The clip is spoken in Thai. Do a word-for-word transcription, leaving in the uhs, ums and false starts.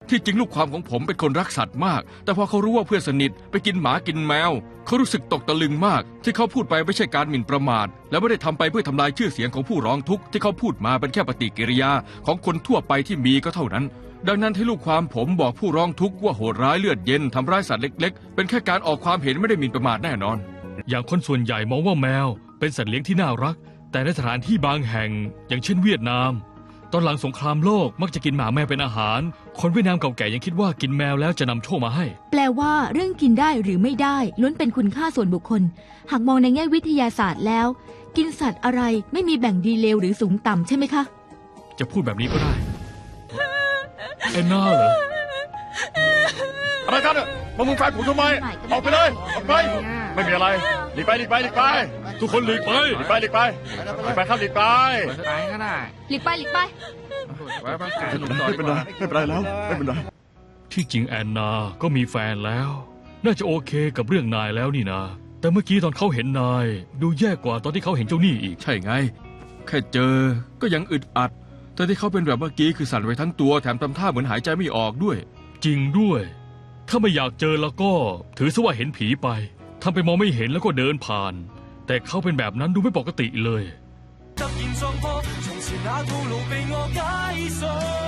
ที่จริงลูกความของผมเป็นคนรักสัตว์มากแต่พอเขารู้ว่าเพื่อนสนิทไปกินหมากินแมวเขารู้สึกตกตะลึงมากที่เขาพูดไปไม่ใช่การหมิ่นประมาทและไม่ได้ทำไปเพื่อทำลายชื่อเสียงของผู้ร้องทุกข์ที่เขาพูดมาเป็นแค่ปฏิกิริยาของคนทั่วไปที่มีก็เท่านั้นดังนั้นที่ลูกความผมบอกผู้ร้องทุกข์ว่าโหดร้ายเลือดเย็นทำร้ายสัตว์เล็กๆเป็นแค่การออกความเห็นไม่ได้หมิ่นประมาทแน่นอนอย่างคนส่วนใหญ่มองว่าแมวเป็นสัตว์เลี้ยงที่น่ารักแต่ในสถานที่บางแห่งอย่างเช่นเวียดนามตอนหลังสงครามโลกมักจะกินหมาแมวเป็นอาหารคนเวียดนามเก่าแก่ยังคิดว่ากินแมวแล้วจะนำโชคมาให้แปลว่าเรื่องกินได้หรือไม่ได้ล้วนเป็นคุณค่าส่วนบุคคลหากมองในแง่วิทยาศาสตร์แล้วกินสัตว์อะไรไม่มีแบ่งดีเลวหรือสูงต่ำใช่ไหมคะจะพูดแบบนี้ก็ได้แอนนาเหรออะไรกันอ่ะมามึงแฟนผมทำไมออกไปเลยออกไปไม่มีอะไรหลีกไปหลีกไปหลีกไปทุกคนหลีกไปหลีกไปหลีกไปหลีกไปครับหลีกไปไปก็ได้หลีกไปหลีกไปไม่เป็นไรไม่เป็นไรแล้วไม่เป็นไรที่จริงแอนนาก็มีแฟนแล้วน่าจะโอเคกับเรื่องนายแล้วนี่นะแต่เมื่อกี้ตอนเขาเห็นนายดูแย่กว่าตอนที่เขาเห็นเจ้าหนี้อีกใช่ไงแค่เจอก็ยังอึดอัดแต่ที่เขาเป็นแบบเมื่อกี้คือสั่นไปทั้งตัวแถมทำท่าเหมือนหายใจไม่ออกด้วยจริงด้วยถ้าไม่อยากเจอแล้วก็ถือซะว่าเห็นผีไปทำไปมองไม่เห็นแล้วก็เดินผ่านแต่เขาเป็นแบบนั้นดูไม่ปกติเลย